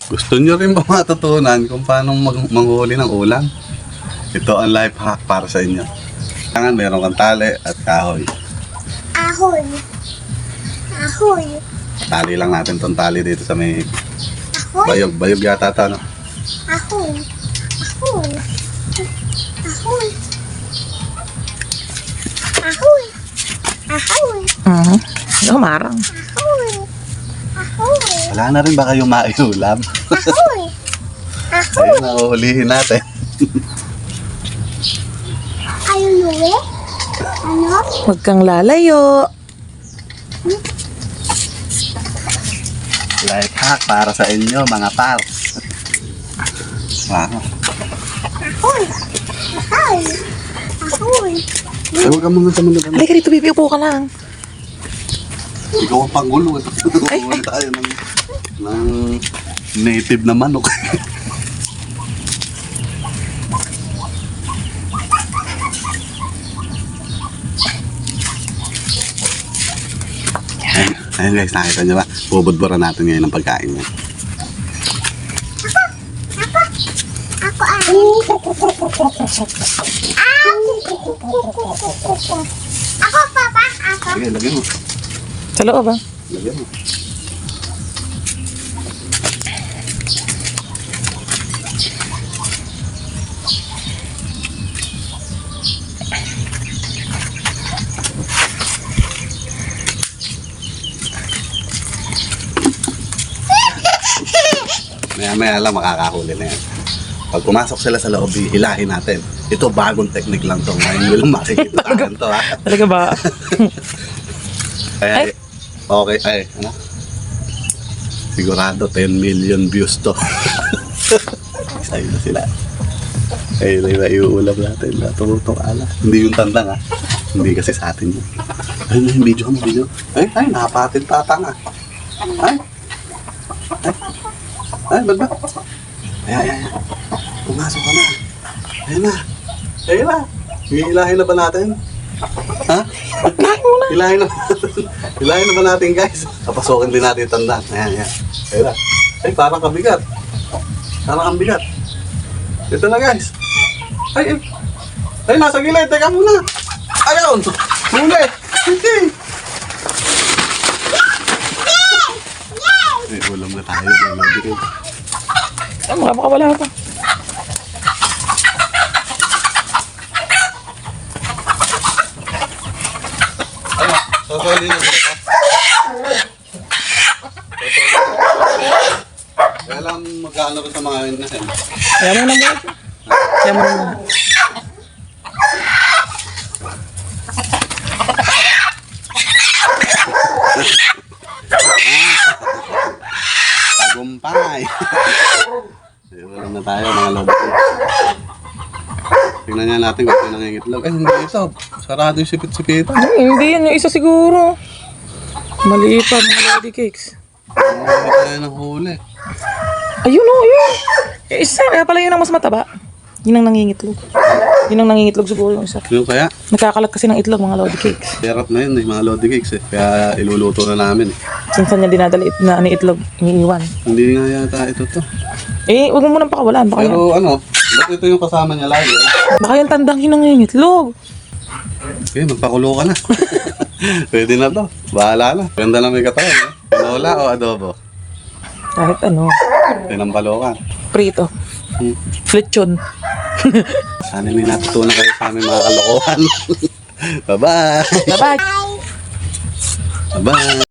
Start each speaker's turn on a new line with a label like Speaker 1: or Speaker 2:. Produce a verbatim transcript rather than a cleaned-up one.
Speaker 1: Gusto nyo rin ba matutunan kung paano mag manghuli ng ulam? Ito ang life hack para sa inyo. Kailangan meron kang tali at kahoy.
Speaker 2: Ahoy. Ahoy.
Speaker 1: Tali lang natin tong tali dito sa may
Speaker 2: Ahoy.
Speaker 1: bayog. Bayog yata ito, no?
Speaker 2: Ahoy. Ahoy. Ahoy. Ahoy. Ahoy.
Speaker 3: Mhm. Lumarang.
Speaker 2: Ahoy. Ahoy.
Speaker 1: Wala na rin ba kayong maiulam?
Speaker 2: Ahoy. Ahoy.
Speaker 1: Ayun, nahuhulihin natin.
Speaker 2: Ayaw nuwi? Ano?
Speaker 3: Huwag kang lalayo.
Speaker 1: Life hack para sa inyo, mga par. Wow.
Speaker 2: Ahoy. Ahoy. Ahoy.
Speaker 1: Ay, huwag ka muna sa mga ganun.
Speaker 3: Halika dito, baby. Upo ka lang.
Speaker 1: Ikaw ang panggulo. Huwag tayo ng, ng native na manok. Ayun, ayun guys, nakita nyo ba? Bubudburan natin ngayon ang pagkain niya.
Speaker 2: Ako ay. Ako, papa. Ako.
Speaker 1: Sige, lagyan mo.
Speaker 3: Sa loob, ah.
Speaker 1: Lagyan mo. Maya maya lang makakahuli na yan. Pag pumasok sila sa loob, hilahin natin. Ito bagong technique lang to. Ngayon nyo lang makikita natin to, ha.
Speaker 3: Talaga ba?
Speaker 1: Ay,
Speaker 3: Ay.
Speaker 1: okay, ay, ano? Sigurado ten million views to. Excited na sila. Ayun na yung iuulam natin. Natutong ala. Hindi yung tandang, ha. Hindi kasi sa atin yun. Ayun na yung video mo, video. Ay, ay, nakapatin tatang, ha. Ay. Ay. Ay, ba't ba? Ay, ay, ay. Pumasok ka na. Ayun na. Ayun na. Hihilahin na ba natin? Ha? Hilahin na ba natin? Hilahin na ba natin, guys? Kapasukin din natin yung tandaan. Ayan, ayan. Ayun na. Ay, parang kabigat. Parang ang bigat. Ito na, guys. Ay, ay. Ay, nasa gilid. Teka muna. Ayun. Huli. Hindi. Ay, ulam na tayo. Ulam din.
Speaker 3: Ah, makapakawala pa.
Speaker 1: Sasali na ba ito? Kaya lang magkano ba sa mga yun na yan?
Speaker 3: Kaya mo na mo. Kaya mo na mo.
Speaker 1: Tagumpay! Ay, wala na tayo mga lodi. Tingnan nga natin kung ito nangingitlog. Ay, hindi ito. Sarado yung sipit-sipitan.
Speaker 3: Ay, hindi yan. Yung isa siguro. Mali pa, mga lady cakes.
Speaker 1: Hindi tayo ng huli.
Speaker 3: Ayun o, yun. Yung isa, kaya pala yun ang mas mataba. Yun ang nangingitlog. Yun ang nangingitlog siguro yung isa.
Speaker 1: Yung kaya,
Speaker 3: Nagkakalat kasi ng itlog, mga lodi cakes.
Speaker 1: sarap na yun eh, mga lodi cakes eh. Kaya iluluto na namin eh.
Speaker 3: Sinsan niya dinadala it na ni itlog, iniiwan.
Speaker 1: Hindi nga yata ito to.
Speaker 3: Eh, huwag mo munang pakawalan. Baka, yan,
Speaker 1: Pero ano, ba't ito yung kasama niya lagi? Eh?
Speaker 3: baka yung tandang yun ang nangingitlog.
Speaker 1: Okay, magpakulo ka na. Pwede na to. Bahala na. Ganda na may katawan eh. Tinola o adobo?
Speaker 3: Kahit ano,
Speaker 1: Tinampalokan.
Speaker 3: prito.
Speaker 1: Hmm.
Speaker 3: Flechon.
Speaker 1: Sana may natutunan kayo sa aming mga kalokohan. Bye-bye!
Speaker 3: Bye-bye!
Speaker 1: Bye-bye!